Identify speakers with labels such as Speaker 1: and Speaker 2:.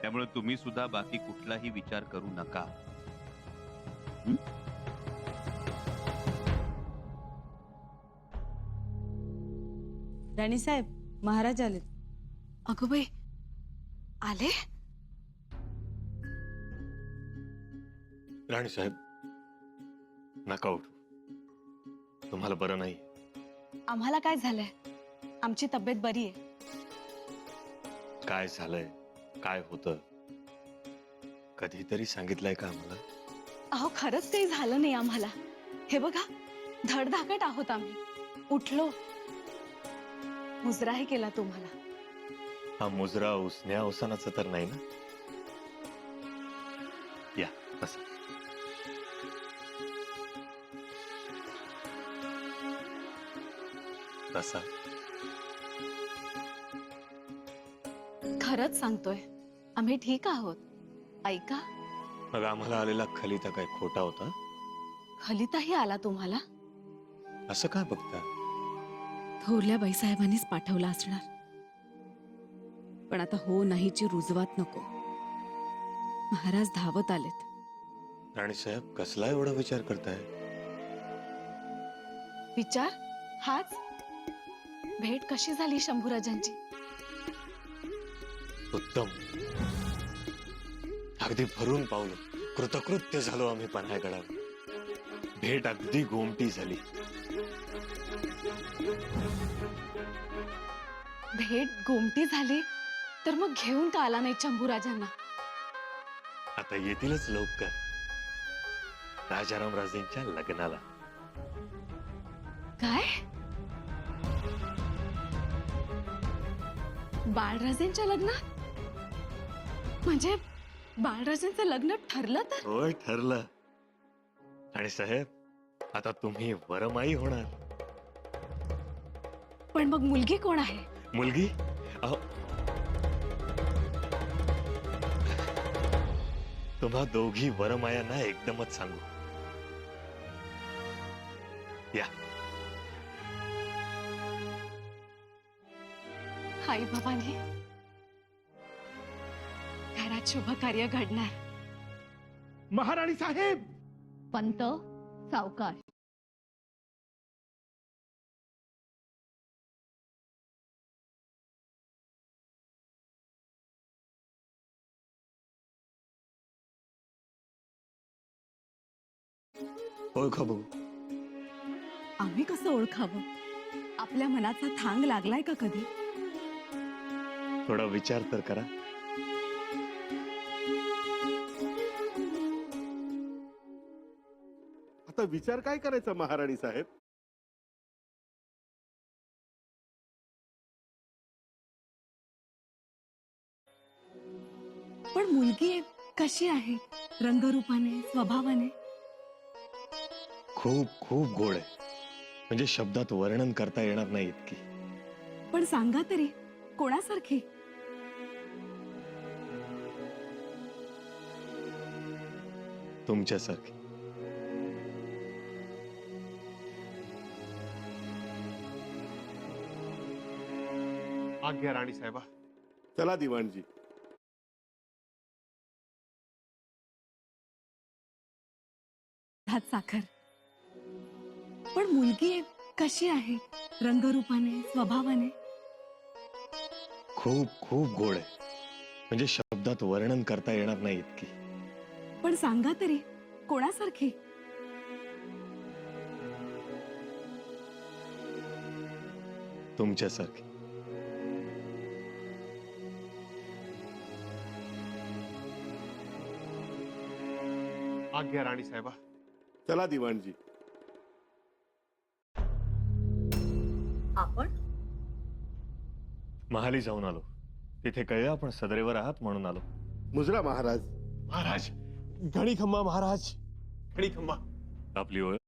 Speaker 1: त्यामुळे तुम्ही सुद्धा बाकी कुठलाही विचार करू नका. हं?
Speaker 2: राणीसाहेब, महाराज आलेत.
Speaker 3: अगं बाई, आले?
Speaker 4: राणी साहेब, नका उठू. तुम्हाला बरं नाही.
Speaker 3: आम्हाला काय झालंय? आमची तब्येत बरी आहे.
Speaker 4: काय झालंय, काय होतं, कधीतरी सांगितलंय का आम्हाला?
Speaker 3: अहो, खरंच काही झालं नाही आम्हाला. हे बघा, धडधाकट आहोत आम्ही. उठलो, मुजराही केला तुम्हाला.
Speaker 4: हा मुजरा उसण्या अवसानाचा तर नाही ना? या बसा. बसा.
Speaker 3: खरंच सांगतोय, आम्ही ठीक आहोत. ऐका,
Speaker 4: मग आम्हाला आलेला खलिता काय खोटा होता?
Speaker 3: खलिताही आला तुम्हाला?
Speaker 4: असं काय बघता?
Speaker 2: थोरल्या बाईसाहेबांनीच पाठवला असणार. पण आता हो नाहीची रुजवात नको. महाराज धावत आलेत.
Speaker 4: राणी साहेब, कसला एवढा विचार करताय?
Speaker 3: विचार हाच. भेट कशी झाली शंभूराजांची?
Speaker 4: उत्तम. अगदी भरून पावलं. कृतकृत्य झालो आम्ही पन्हाळगडावर. भेट अगदी गोमटी झाली.
Speaker 3: भेट गोमटी झाली तर मग घेऊन का आला नाही शंभूराजांना?
Speaker 4: आता येतीलच लवकर, राजाराम राजेंच्या लग्नाला.
Speaker 3: काय? बाळराजेंच्या लग्नात? म्हणजे बाळराजेंचं लग्न ठरलं तर?
Speaker 4: होय, ठरलं. आणि साहेब, आता तुम्ही वरमाई होणार.
Speaker 3: पण मग मुलगी कोण आहे?
Speaker 4: मुलगी? अहो, तुम्हा दोघी वरमायांना एकदमच सांगू. या.
Speaker 3: आई बाबांनी घरात शुभ कार्य घडणार.
Speaker 5: महाराणी साहेब,
Speaker 3: पंत सावकाश.
Speaker 4: ओळखा बघू.
Speaker 2: आम्ही कसं ओळखावं? आपल्या मनाचा थांग लागलाय का कधी?
Speaker 4: थोडा विचार तर करा.
Speaker 5: आता विचार काय करायचा महाराणी साहेब?
Speaker 2: पण मुलगी कशी आहे? रंगरूपाने, स्वभावाने?
Speaker 4: खूप खूप गोड आहे. म्हणजे शब्दात वर्णन करता येणार नाही इतकी.
Speaker 2: पण सांगा तरी, कोणासारखी?
Speaker 4: तुमच्यासारखी.
Speaker 5: आज्ञा राणी साहेबा. चला दिवाणजी.
Speaker 2: हात साखर. पण मुलगी कशी आहे? रंगरूपाने, स्वभावाने?
Speaker 4: खूप खूप गोड आहे. म्हणजे शब्दात वर्णन करता येणार नाही इतकी.
Speaker 2: पण सांगा तरी, कोणासारखी?
Speaker 4: तुमच्यासारखी.
Speaker 5: आज्ञा राणी साहेबा. चला दिवाणजी.
Speaker 2: आपण
Speaker 4: महाली जाऊन आलो. तिथे कळलं आपण सदरेवर आहात म्हणून आलो.
Speaker 5: मुजरा महाराज.
Speaker 6: महाराज, घणी खंबा महाराज, घणी खंबा.
Speaker 4: आपली ओळख?